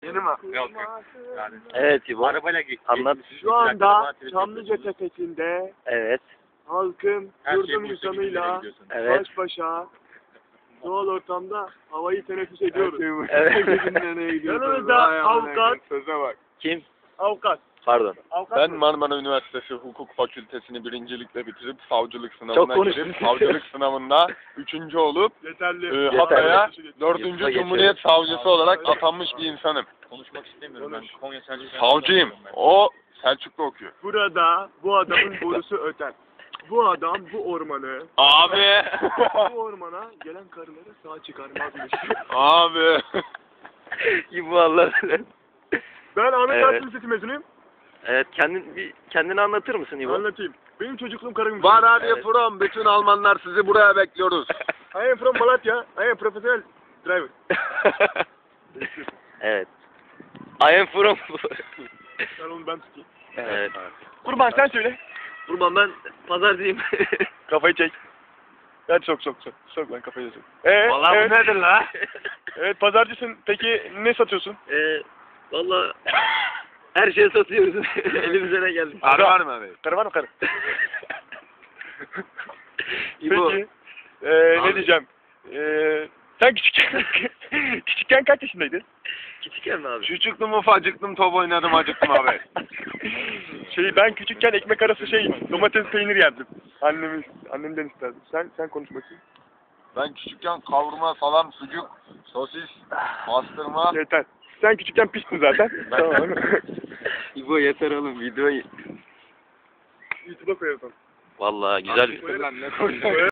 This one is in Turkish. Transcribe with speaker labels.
Speaker 1: Yeni mi?
Speaker 2: Yok. Yani.
Speaker 3: Evet İbo.
Speaker 2: Arabayla
Speaker 3: Anlat.
Speaker 1: Şu anda Çamlıca Tepesi'nde
Speaker 3: Evet.
Speaker 1: halkın
Speaker 2: Her şey
Speaker 1: yurdum
Speaker 2: bu
Speaker 1: insanıyla
Speaker 3: Evet.
Speaker 1: baş başa doğal ortamda havayı teneffüs ediyoruz.
Speaker 3: Evet.
Speaker 1: Yanımızda avukat.
Speaker 4: Söze bak.
Speaker 3: Kim?
Speaker 1: Avukat.
Speaker 3: Pardon.
Speaker 1: Avukat
Speaker 4: Ben
Speaker 1: mı?
Speaker 4: Marmara Üniversitesi Hukuk Fakültesini birincilikle bitirip savcılık
Speaker 3: Çok
Speaker 4: sınavına
Speaker 3: konuştun.
Speaker 4: girip savcılık sınavında 3. olup
Speaker 1: Yeterli.
Speaker 4: Hatay'a
Speaker 3: Yurtta
Speaker 4: 4.
Speaker 3: geçelim.
Speaker 4: Cumhuriyet Savcısı olarak atanmış bir insanım.
Speaker 2: Konuşmak istemiyorum ben. Konya Selçuk.
Speaker 4: Savcıyım. O Selçuklu okuyor.
Speaker 1: Burada bu adamın borusu öter. Bu adam bu ormanı,
Speaker 4: Abi.
Speaker 1: bu ormana gelen karıları sağ çıkarmazmış.
Speaker 4: Abi.
Speaker 3: İbo Allah.
Speaker 1: Ben Ahmet
Speaker 3: Evet.
Speaker 1: Hakkı Lisesi mezunuyum.
Speaker 3: Evet, kendini anlatır mısın İbo?
Speaker 1: Anlatayım. Benim çocukluğum Karagümrük.
Speaker 4: Var hadi
Speaker 3: Evet.
Speaker 4: from. Bütün Almanlar sizi buraya bekliyoruz.
Speaker 1: I am from Malatya. I am professional driver.
Speaker 3: Evet. I am from...
Speaker 1: Ben onu ben tutayım.
Speaker 3: evet.
Speaker 1: Kurban sen söyle.
Speaker 3: Kurban ben pazarcıyım.
Speaker 1: Kafayı çek. Hadi sok. Sok lan kafayı sok.
Speaker 3: Vallahi
Speaker 1: evet.
Speaker 3: bu nedir la?
Speaker 1: Evet pazarcısın. Peki ne satıyorsun?
Speaker 3: Valla her şeyi satıyoruz. Elimize ne geldi?
Speaker 4: Arı var mı abi?
Speaker 1: Karı var mı karı?
Speaker 3: İbo.
Speaker 1: Peki. Ne diyeceğim? Sen küçükken kaç yaşındaydın?
Speaker 3: Küçükken mi abi?
Speaker 4: Küçüktüm ufacıktım top oynadım acıktım abi.
Speaker 1: Ben küçükken ekmek arası domates peynir yerdim. Annemden isterdim. Sen konuş bakayım.
Speaker 4: Ben küçükken kavurma, salam, sucuk, sosis, bastırma.
Speaker 1: Yeter. Sen küçükken pistin zaten. Tamam.
Speaker 3: İbo yeter oğlum videoyu.
Speaker 1: YouTube'a koyalım.
Speaker 3: Vallahi güzel.
Speaker 4: Lan ne koydun?